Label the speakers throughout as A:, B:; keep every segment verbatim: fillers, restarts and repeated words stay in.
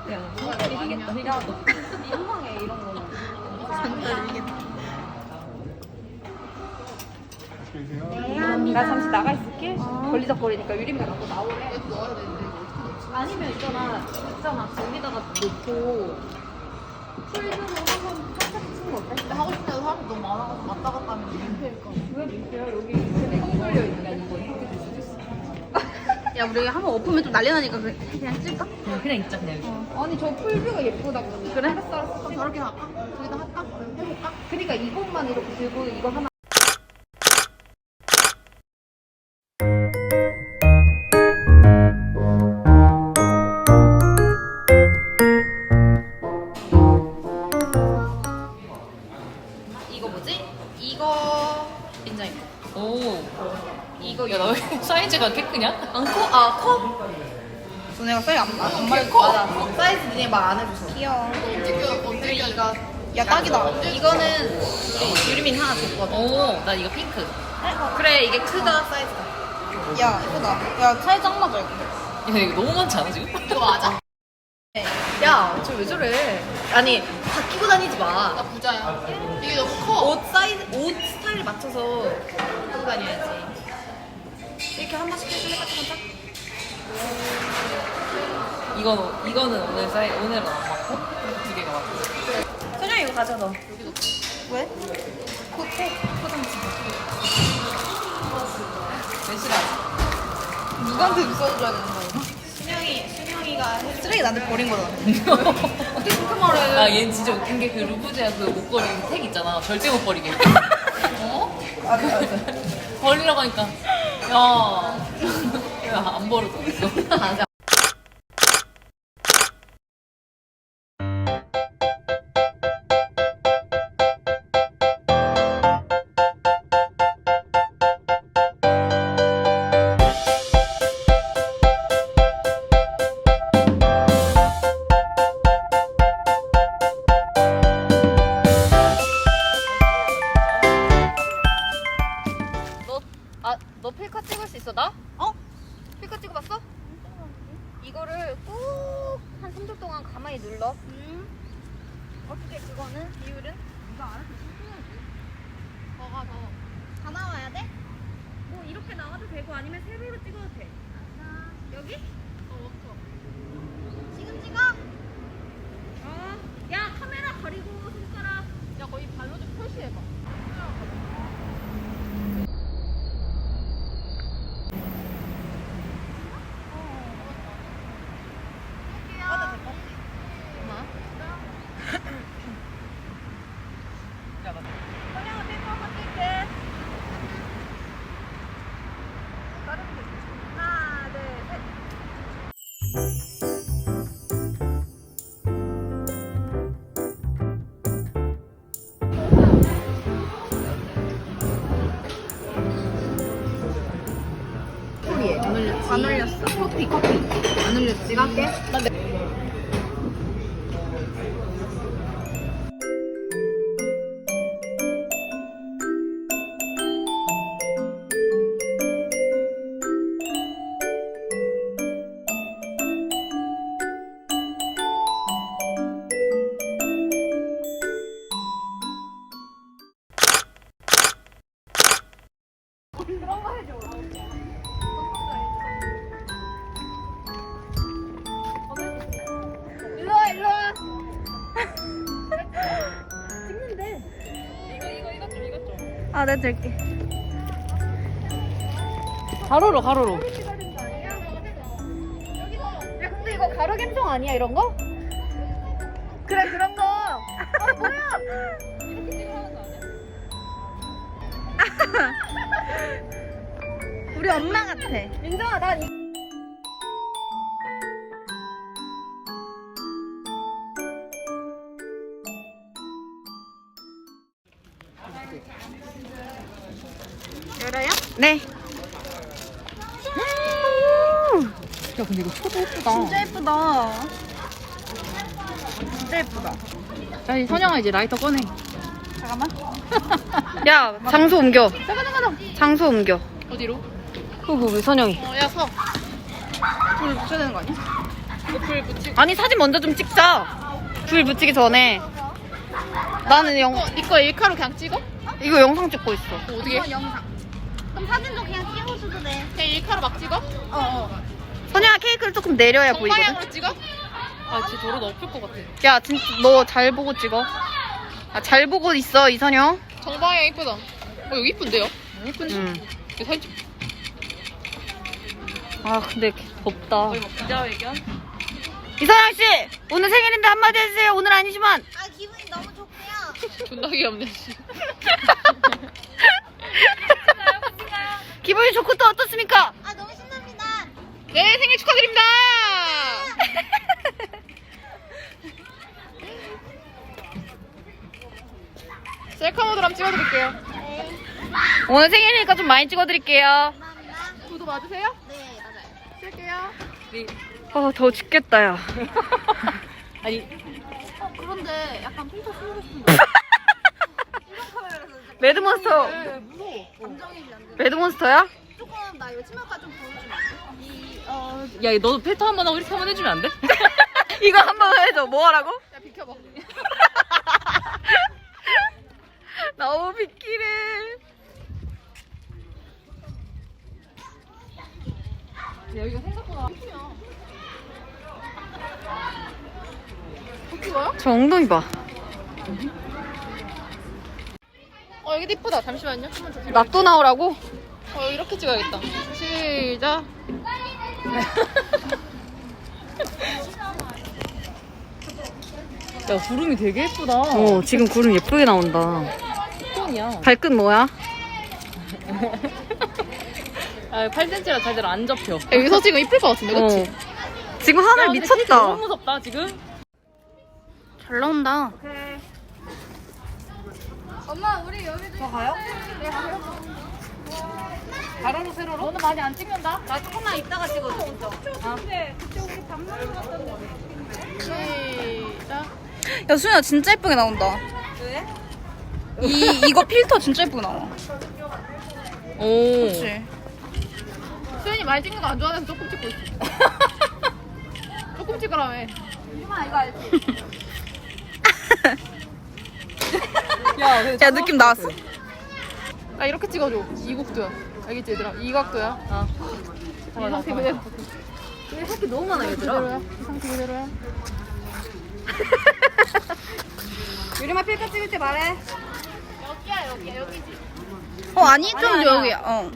A: 야, 상달 이기겠다. 야, 너 민망해 이런 거는. 상달 이기겠다. 나 잠시 나가 있을게. 걸리적거리니까 유림이가 자꾸 나오래. 아니면 있잖아, 있잖아. 거기다가 놓고 풀들로 한번 살짝 치는 거 어때?
B: 근데 하고 싶은 데도 사람이 너무 많아가지고 왔다 갔다 하면 민폐일까.
A: 왜 민폐야? 여기 밑에 똥 걸려 있는 거 이렇게 될 수도 있어.
C: 야 우리 한번 엎으면 좀 난리 나니까 그- 그냥 찔까?
A: 그냥 있자 그냥. 어. 아니 저 풀뷰가 예쁘다고. 그래? 알았어 알았어.
B: 그럼 저렇게 할까? 저기다 할까? 해볼까?
A: 그러니까 이것만 이렇게 들고 이거 하나.
C: 이거 뭐지? 이거 인정이
D: 오.
C: 이거
D: 야, 나 왜 사이즈가 꽤 크냐?
C: 안커? 아 컵? 너네가 사이즈 안, 안, 안 말고 맞아 사이즈 니네 말 안 해줘서 귀여워
B: 언제 이거
C: 야 딱이다 이거는 우리 유리민 하나 줬거든
D: 오, 나 이거 핑크.
C: 그래 이게 크다 사이즈가 야 이쁘다 야 사이즈 안 맞아 이거
D: 야, 이거 너무 많지 않아, 지금?
C: 이거 맞아 야 저 왜 저래 아니 다 끼고 다니지 마
B: 나 부자야. 이게 너무 커.
C: 옷 사이즈, 옷 스타일 맞춰서 입고 다녀야지. 이렇게 한 번씩 해줄래? 까짝까짝?
D: 이거, 이거는 오늘 사이, 오늘은 안 맞고, 두 개가 맞고.
C: 선영이 이거 가져, 너. 왜? 코트? 포장지.
D: 몇 시간?
C: 누구한테 써줘야 되는 거야? 순영이, 순영이가 쓰레기 나한테 버린 거잖아. 어떻게 그렇게 말해?
D: 아, 얘는 진짜 웃긴 게 그 루브제아 그 목걸이 그 택 있잖아. 절대 못 버리게. 어?
C: 맞아, 맞아.
D: 버리라고 하니까. 야. 야, 안 버려도 이거.
C: 맞아.
A: 아, 너 필카 찍을 수 있어 나?
C: 어?
A: 필카 찍어봤어? 이거를 꾹 한 삼 초 동안 가만히 눌러.
C: 음.
A: 어떻게 그거는 비율은? 이거 알아서 찍어야지.
B: 더가 더.
C: 다 나와야 돼?
A: 뭐 이렇게 나와도 되고 아니면 세로로 찍어도 돼. 여기?
B: 더 워터.
C: 지금 찍어?
A: 어. 야 카메라 가리고 손가락.
B: 야 거의 발로 좀 표시해봐.
A: 선영아 필카 한번 찍게. 하나 둘 셋.
C: 안 올렸지. 안 올렸어. 커피, 커피. 안 올렸지. 내가 할게.
A: 일로와 일로와. 찍는데. 이거 이거 이것 좀 이것 좀.
C: 아, 내가 들게.
D: 가로로, 가로로.
A: 야 근데 이거 가로 감성 아니야 이런 거? 그래 그런 거. 아 뭐야?
C: 우리 엄마 같아.
A: 민정아 난 이...
C: 열어요? 네.
D: 야, 근데 이거 초도 예쁘다.
C: 진짜 예쁘다. 진짜 예쁘다.
D: 야, 이 선영아 이제 라이터 꺼내.
C: 잠깐만. 야, 장소 옮겨.
A: 잠깐 잠깐.
C: 장소 옮겨.
D: 어디로?
C: 그거 왜 선영이?
B: 어, 야 서.
C: 불 붙여야 되는 거 아니야?
B: 불 붙이고.
C: 아니 사진 먼저 좀 찍자. 불 붙이기 전에. 나는 영
B: 이거 일카로 그냥 찍어?
C: 이거 영상 찍고 있어.
B: 어떻게?
A: 영상. 그럼 사진도 그냥 찍어줘도 돼.
B: 그냥 일카로 막 찍어?
A: 어어.
C: 선영아 케이크를 조금 내려야 보이거든.
B: 정방향으로 찍어?
D: 아 진짜 저러다 엎을 것 같아.
C: 야 진짜 너 잘 보고 찍어. 아, 잘 보고 있어 이선영.
B: 정방향 이쁘다. 어 여기 이쁜데요?
D: 예쁜지?
C: 응.
B: 이거 사진 찍.
C: 아 근데 덥다.
D: 거의 막 기자회견?
C: 이선영 씨 오늘 생일인데 한마디 해주세요. 오늘 아니지만.
A: 아 기분이 너무 좋고요.
B: 존나 귀엽네. 씨.
C: 기분이 좋고 또 어떻습니까?
A: 아 너무 신납니다.
B: 네 생일 축하드립니다. 셀카 모드로 한번 찍어드릴게요.
C: 오늘 생일이니까 좀 많이 찍어드릴게요.
A: 감사합니다.
B: 구도 맞으세요?
A: 네 맞아요.
B: 쓸게요.
D: 네.
C: 아 더워 죽겠다 야.
D: 아니
A: 어 그런데 약간 필터 쓰고 싶은데. 이런 카메라에서 진짜
C: 매드몬스터.
A: 무서워. 감정이지 안 돼.
C: 매드몬스터야?
A: 조금 나 이거 치마가 좀 보여주면 안 돼? 이 어.
D: 야 너도 필터 한 번 하고 이렇게 한 번 해주면 안 돼?
C: 이거 한번 해줘. 뭐 하라고?
B: 야 비켜봐.
C: 너무 비키래.
B: 여기가 생각보다 예쁘냐? 어떻게요?
C: 저 엉덩이 봐.
B: 어 여기도 이쁘다. 잠시만요. 한번 더.
C: 낫또 나오라고?
B: 어 여기 이렇게 찍어야겠다. 시작.
D: 야 구름이 되게 예쁘다.
C: 어 지금 구름 예쁘게 나온다.
D: 톤이야.
C: 발끝 뭐야?
D: 아 팔 센티미터라 제대로 안 접혀.
B: 야, 여기서 찍으면 이쁠 것 같은데, 그치?
C: 어. 지금 하늘
D: 야, 근데 케이크
C: 미쳤다.
D: 너무 무섭다 지금.
C: 잘 나온다.
A: 엄마 우리 여기도. 저 가요? 네 가요.
D: 가로로 세로로?
A: 너는 많이 안 찍는다? 나 조금만 이따가 찍어줘 진짜.
B: 시작.
C: 야 수연아 진짜 예쁘게 나온다.
A: 왜?
C: 이 이거 필터 진짜 예쁘게 나와.
D: 오.
C: 그렇지.
B: 수현이 많이 찍는 거 안 좋아해서 조금 찍고 있어. 조금 찍으라며.
A: 엄마 이거 알지?
D: 야, 근데
C: 야 느낌 나왔어?
B: 나 이렇게 찍어줘. 이 각도야. 알겠지 얘들아? 이 각도야.
D: 아.
B: 이
D: 잠깐만,
B: 상태
D: 잠깐만.
B: 그대로.
A: 여기 새끼 너무 많아
B: 이
A: 얘들아.
B: 그대로야. 이 상태 그대로야.
A: 유리마 필터 찍을 때 말해.
B: 여기야 여기야 여기지.
C: 어 아니 좀
A: 아니야,
C: 여기야. 어.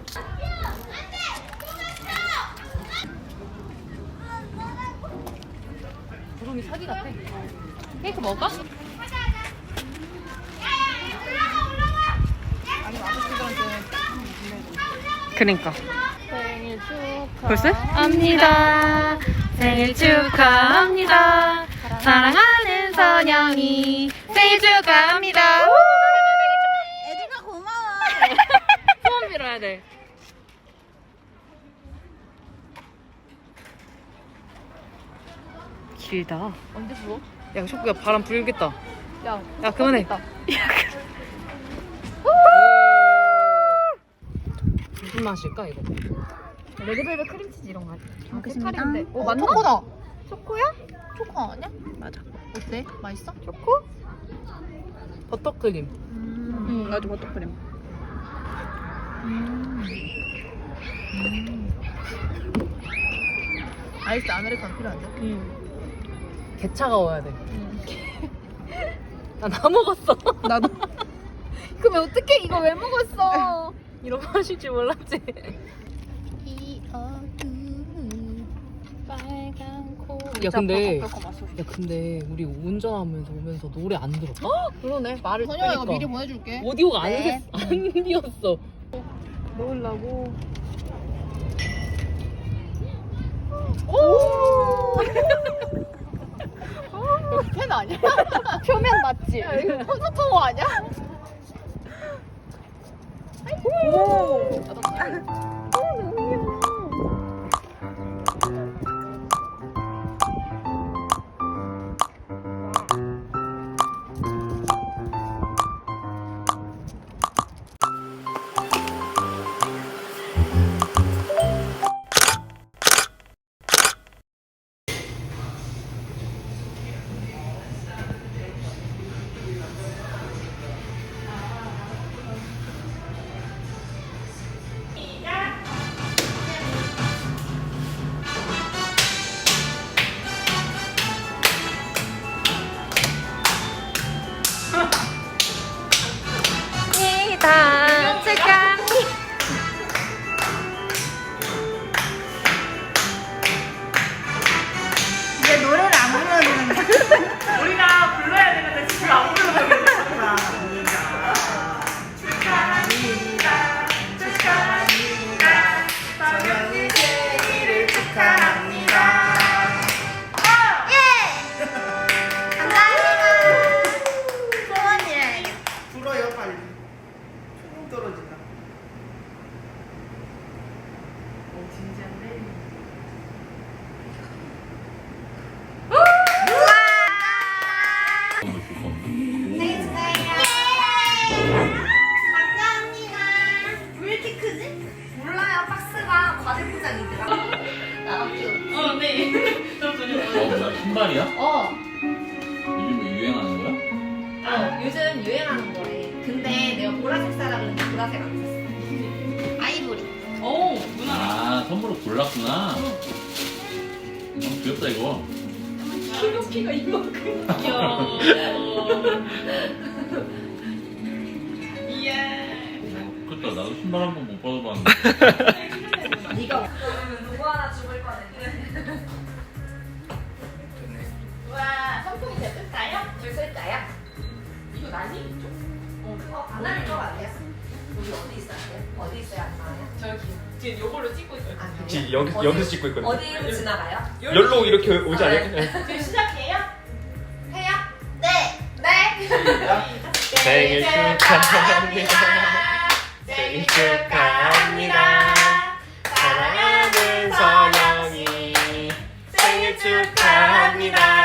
D: 구름이 사기 같아. 케이크 먹을까?
C: 그러니까.
B: 생일 축하.
C: 벌써? 합니다. 생일 축하합니다. 사랑하는 선영이 생일 축하합니다.
A: 애들아 고마워.
D: 소원 빌어야 돼.
C: 길다.
B: 언제 부어?
D: 야, ሾ크야 바람 불겠다.
B: 야,
D: 야, 그만해.
B: 다
D: 무슨 맛일까 이거?
A: 레드벨벳 크림치즈 이런 거 같아.
C: 먹겠습니다.
B: 어, 맞나? 초코다. 초코야? 초코 아니야? 맞아. 어때? 맛있어? 초코?
D: 버터크림.
C: 응 나도 버터크림.
B: 아이스 아메리카노 필요한데?
D: 응. 개 차가워야 돼. 나 다 먹었어.
C: 나도.
B: 그러면 어떻게 이거 왜 먹었어?
D: 이런 거 하실 줄 몰랐지.
B: 이 어둠 빨간 코.
D: 야 근데 야 근데 우리 운전하면서 오면서 노래 안 들었어?
B: 그러네. 말을 선영아 이거 미리 보내줄게.
D: 오디오가 안,
A: 네.
D: 샜- 안 비었어.
B: 먹으려고.
A: 오.
B: 여기 펜 아니야? 표면 맞지? 야, 이거 콘서트 아니야?
A: 오.
C: 생일 축하해요. 감사합니다. 왜 이렇게 크지? 몰라요. 박스가 과대 포장이더라. 나랑 좀.
D: 어, 네. 저 전혀
E: 어, 뭐야, 신발이야?
A: 어,
E: 요즘 뭐 유행하는 거야?
A: 어, 요즘 유행하는 거래. 근데 내가 보라색 사라 그랬는데 보라색 안 샀어.
C: 아이보리.
D: 오, 누나.
E: 아, 선물을 골랐구나. 어, 귀엽다, 이거.
A: 키가 이만큼.
D: 귀여워. 이야.
E: 그쵸, 나도 신발 한 번 못 받아봤는데.
A: 네가 누구 하나 죽을 뻔했네. 우와, 선풍기 제뜻까요? 줄쓸까요? 이거 나니? 어, 그거 안 나는 거 같아요. 여기 어디 있어야 돼? 어디 있어야 안 나와요?
D: 저기 지금 요걸로 찍고 있어요.
A: 아, 그래요?
F: 지금 여기,
A: 어디-
F: 여기서 찍고 있거든요.
A: 어디로 지나가요?
F: 열로 이렇게 오지
A: 아,
F: 않을까?
A: 네.
F: 네.
A: 지금 시작해요? 해요? 네! 네!
F: 생일 축하합니다. 생일 축하합니다. 사랑하는 선영이 생일 축하합니다.